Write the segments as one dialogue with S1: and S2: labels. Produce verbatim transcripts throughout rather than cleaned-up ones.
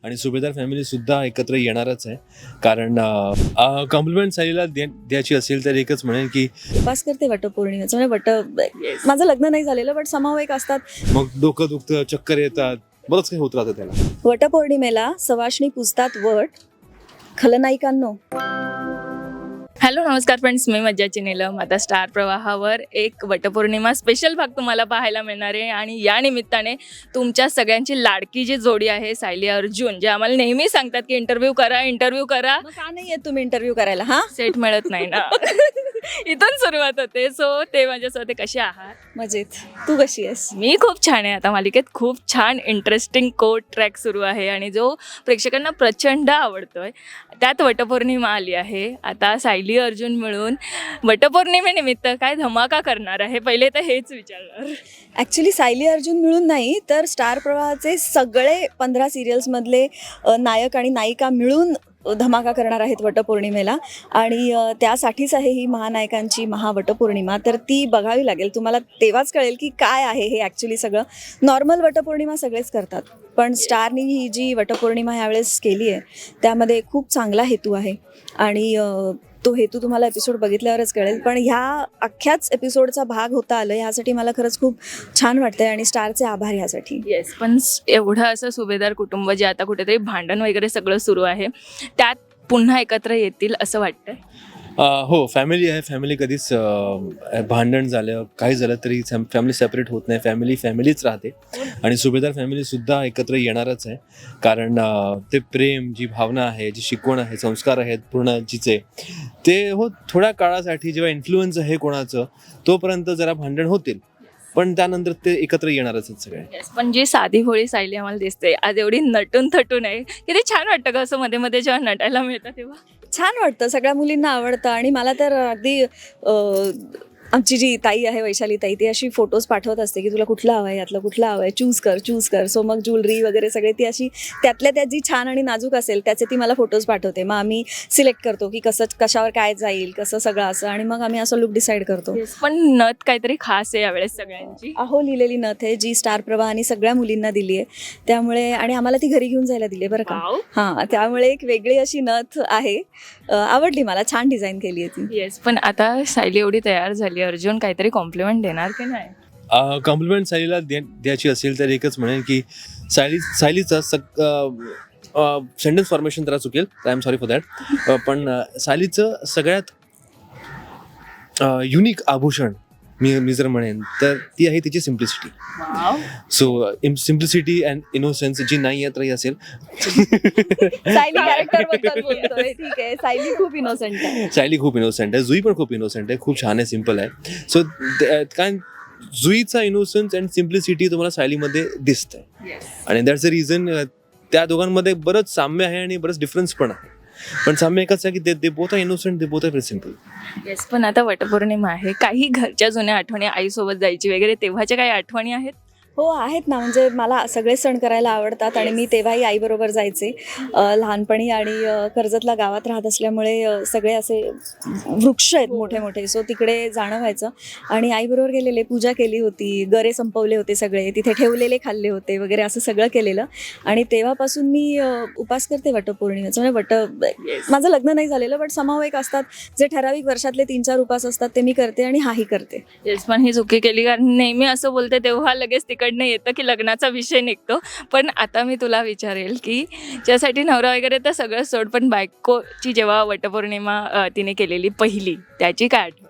S1: आणि सुभेदार फॅमिली सुद्धा एकत्र येणारच आहे. कारण कॉम्प्लिमेंट सायलीला द्यायची असेल तर एकच म्हणेन की
S2: उपास करते वटपौर्णिमेचं. म्हणजे वट माझं लग्न नाही झालेलं, बट समाव एक असतात.
S1: मग डोकं दुखतं, चक्कर येतात, बरंच काही होत राहतं त्याला.
S2: वटपौर्णिमेला सवाष्णी पुजतात वट. खलनायिकांनो,
S3: हॅलो नमस्कार फ्रेंड्स, मी मज्जाची नीलम. आता स्टार प्रवाहावर एक वटपौर्णिमा स्पेशल भाग तुम्हाला पाहायला मिळणार आहे. आणि या निमित्ताने तुमच्या सगळ्यांची लाडकी जी जोडी आहे सायली अर्जुन, जे आम्हाला नेहमी सांगतात की इंटरव्ह्यू करा इंटरव्ह्यू करा,
S2: मग का नाही येत तुम्ही इंटरव्ह्यू करायला? हा,
S3: सेट मिळत नाही ना. इथून सुरुवात होते. सो ते माझ्यासोबत कसे आहात?
S2: मजेत. तू कशी आहेस?
S3: मी खूप छान आहे. आता मालिकेत खूप छान इंटरेस्टिंग कोट ट्रॅक सुरू आहे आणि जो प्रेक्षकांना प्रचंड आवडतोय. त्यात वटपौर्णिमा आली आहे. आता सायली अर्जुन मिळून वटपौर्णिमेनिमित्त काय धमाका करणार आहे, पहिले तर हेच विचारणार.
S2: ॲक्च्युली सायली अर्जुन मिळून नाही तर स्टार प्रवाहाचे सगळे पंधरा सिरियल्समधले अ, नायक आणि नायिका मिळून धमाका करणार आहेत वटपौर्णिमेला. आणि अ, त्यासाठीच आहे ही महानायकांची महावटपौर्णिमा. तर ती बघावी लागेल. तुम्हाला तेव्हाच कळेल की काय आहे हे ॲक्च्युली. सगळं नॉर्मल वटपौर्णिमा सगळेच करतात, पण स्टारनी ही जी वटपौर्णिमा ह्यावेळेस केली आहे त्यामध्ये खूप चांगला हेतू आहे. आणि अ, तो हेतू तुम्हाला एपिसोड बघितल्यावरच कळेल. पण ह्या अख्ख्याच एपिसोडचा भाग होता आलं ह्यासाठी मला खरंच खूप छान वाटतंय आणि स्टारचे आभार ह्यासाठी.
S3: येस, पण एवढं असं सुभेदार कुटुंब जे आता कुठेतरी भांडण वगैरे सगळं सुरू आहे, त्यात पुन्हा एकत्र येतील असं वाटतंय.
S1: अं, हो, फॅमिली आहे. फॅमिली कधीच अं, भांडण झालं काही झालं तरी फॅमिली सेपरेट होत नाही. फॅमिली फॅमिलीच राहते आणि सुभेदार फॅमिली सुद्धा एकत्र येणारच आहे. कारण अं, ते प्रेम, जी भावना आहे, जी शिकवण आहे, संस्कार आहेत पूर्ण जिचे, ते हो थोड्या काळासाठी जेव्हा इन्फ्लुएन्स आहे कोणाचं तोपर्यंत जरा भांडण होतील, पण त्यानंतर ते एकत्र येणारच आहेत सगळे.
S3: येस, पण जी साधी भोळी सायली आम्हाला दिसते आज, एवढी नटून थटून आहे, किती छान वाटतं का असं मध्ये मध्ये जेव्हा नटायला मिळतं तेव्हा.
S2: छान वाटतं, सगळ्या मुलींना आवडतं. आणि मला तर अगदी अ, आमची जी ताई आहे वैशाली ताई, ती अशी फोटोज पाठवत असते की तुला कुठलं हवं आहे, यातलं कुठलं हवं आहे, चूज कर चूज कर. सो मग ज्वेलरी वगैरे सगळे ती अशी त्यातल्या त्यात जी छान आणि नाजूक असेल त्याचे ती मला फोटोज पाठवते. मग आम्ही सिलेक्ट करतो की कसं कशावर काय जाईल, कसं सगळं असं, आणि मग आम्ही असं लुक डिसाईड करतो.
S3: येस, पण नथ काहीतरी खास आहे यावेळेस सगळ्यांची.
S2: अहो लिहिलेली नथ आहे जी स्टार प्रवाहाने सगळ्या मुलींना दिली आहे. त्यामुळे, आणि आम्हाला ती घरी घेऊन जायला दिली आहे बरं का.
S3: वाव.
S2: हां, त्यामुळे एक वेगळी अशी नथ आहे. अ, आवडली मला, छान डिझाईन केली आहे ती.
S3: येस, पण आता सायली एवढी तयार झाली, अर्जुन काहीतरी कॉम्प्लिमेंट देणार की नाही?
S1: कॉम्प्लिमेंट सायलीला द्यायची असेल तर एकच म्हणेन की सायली सायलीचा सग सेंटेन्स फॉर्मेशन जरा चुकेल, I am sorry for that. पण अं, सायलीचं सगळ्यात युनिक आभूषण मी मी जर म्हणेन तर ती आहे तिची simplicity.
S3: Wow.
S1: So simplicity and innocence जी नाही येत रही असेल.
S2: सायली कॅरेक्टर बद्दल बोलतोय, ठीक आहे. सायली खूप इनोसेंट आहे.
S1: सायली खूप इनोसेंट आहे, जुई पण खूप इनोसेंट आहे, खूप छान आहे, सिम्पल आहे. सो कारण जुईचा इनोसेन्स अँड सिम्प्लिसिटी तुम्हाला सायलीमध्ये दिसतंय. आणि दॅट्स द रिझन त्या दोघांमध्ये बरंच साम्य आहे आणि बरंच डिफरन्स पण आहे. पण साम्य एकच आहे की they both are innocent, they both are very simple.
S3: Yes, पण आता वटपौर्णिमा आहे, काही घरच्या जुन्या आठवणी, आईसोबत जायची वगैरे तेव्हाच्या काही आठवणी आहेत?
S2: हो आहेत ना. म्हणजे मला सगळे सण करायला आवडतात आणि मी तेव्हाही आईबरोबर जायचे अ, लहानपणी. आणि अ, कर्जतला गावात राहत असल्यामुळे अ, सगळे असे वृक्ष आहेत मोठे मोठे, सो तिकडे जाणं व्हायचं. आणि आईबरोबर गेलेले, पूजा केली होती, गरे संपवले होते सगळे, तिथे ठेवलेले खाल्ले होते वगैरे, असं सगळं केलेलं. आणि तेव्हापासून मी अ, उपास करते वटपौर्णिमेचं. म्हणजे वट माझं लग्न नाही झालेलं, बट समाव एक असतात जे ठराविक वर्षातले तीन चार उपास असतात, ते मी करते आणि हाही करते.
S3: येस, पण ही चुकी केली, कारण नेहमी असं बोलते तेव्हा लगेच तिकडनं येतं की लग्नाचा विषय निघतो. पण आता मी तुला विचारेल की ज्यासाठी नवरा वगैरे तर सगळं सोड, पण बायकोची जेव्हा वटपौर्णिमा अ, तिने केलेली पहिली, त्याची काय आठवण?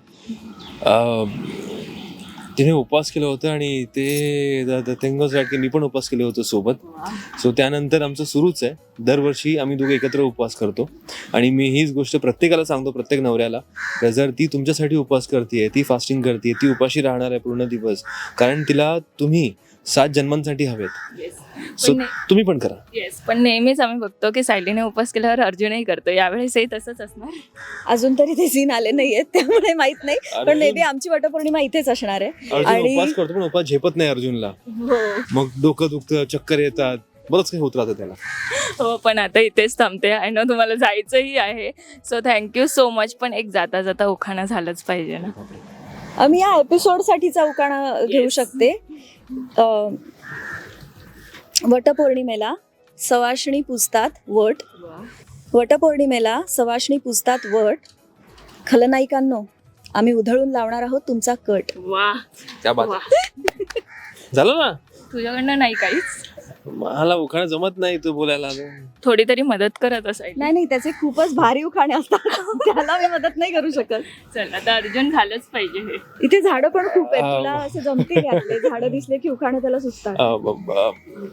S1: तिने उपवास केलं होतं आणि ते थिंग वॉज दॅट की मी पण उपवास केले होते सोबत. सो त्यानंतर आमचं सुरूच आहे, दरवर्षी आम्ही दोघे एकत्र उपवास करतो. आणि मी हीच गोष्ट प्रत्येकाला सांगतो, प्रत्येक नवऱ्याला, की जर ती तुमच्यासाठी उपवास करते, ती फास्टिंग करते, ती उपाशी राहणार आहे पूर्ण दिवस, कारण तिला तुम्ही सात जन्मांसाठी हवेत. सो तुम्ही पण करा.
S3: येस, पण नेहमीच आम्ही बघतो की सायलीने उपवास केल्यावर अर्जुनही करतो, यावेळेसही तसंच असणार?
S2: अजून तरी ते सीन आले नाहीयेत त्यामुळे माहित नाही, पण मे बी आमची वटपौर्णिमा इथेच असणार आहे.
S1: अर्जुन
S2: आणि
S1: उपवास करतो पण उपवास झेपत नाही अर्जुनला.
S3: हो
S1: मग डोकं दुखतं, चक्कर येतात, बरंच काही होत राहतं त्याला.
S3: हो, पण आता इथेच थांबते. आय नो तुम्हाला जायचंही आहे, सो थँक्यू सो मच. पण एक जाता जाता उखाणा झालंच पाहिजे ना.
S2: मी या एपिसोडसाठीचा उखाणा घेऊ शकते. अ, वटपौर्णिमेला सवाष्णी पुजतात वट. वटपौर्णिमेला सवाष्णी पुजतात वट. खलनायिकांनो, आम्ही उधळून लावणार आहोत तुमचा कट.
S3: वा
S1: त्या बात
S3: वा.
S1: झालं ना.
S3: तुझ्याकडनं नाही काहीच.
S1: मला उखाणं जमत नाही तू बोलायला.
S3: थोडी तरी मदत करत असायची.
S2: नाही नाही, त्याचे खूपच भारी उखाणे असतात. त्याला मी मदत नाही करू शकत.
S3: चल आता अर्जुन झालंच पाहिजे हे.
S2: इथे झाडं पण खूप आहेत.
S1: अं,
S2: तुला असे जमतील यातले झाडं दिसले की उखाणे त्याला सुचतात.
S1: अ, ब- ब-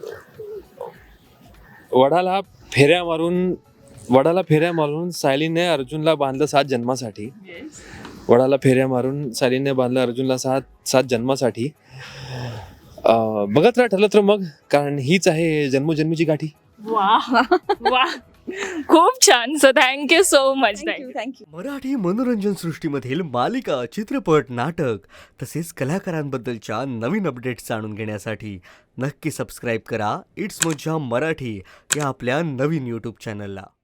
S1: वडाला फेऱ्या मारून वडाला फेऱ्या मारून सायलीने अर्जुनला बांधलं सात जन्मासाठी. वडाला फेऱ्या मारून सायलीने बांधलं अर्जुनला सात सात जन्मासाठी. अ, बघत राहा ठरलं तर मग, कारण हीच आहे जन्मोजन्मीची गाठी.
S3: वा वा खूप छान. So thank you so much.
S2: Thank you thank you.
S4: Marathi मनोरंजन सृष्टीमधील मालिका, चित्रपट, नाटक तसेच कलाकारांबद्दलच्या नवीन अपडेट्स जाणून घेण्यासाठी नक्की सबस्क्राईब करा इट्स मज्जा मराठी या आपल्या नवीन यूट्यूब चॅनलला.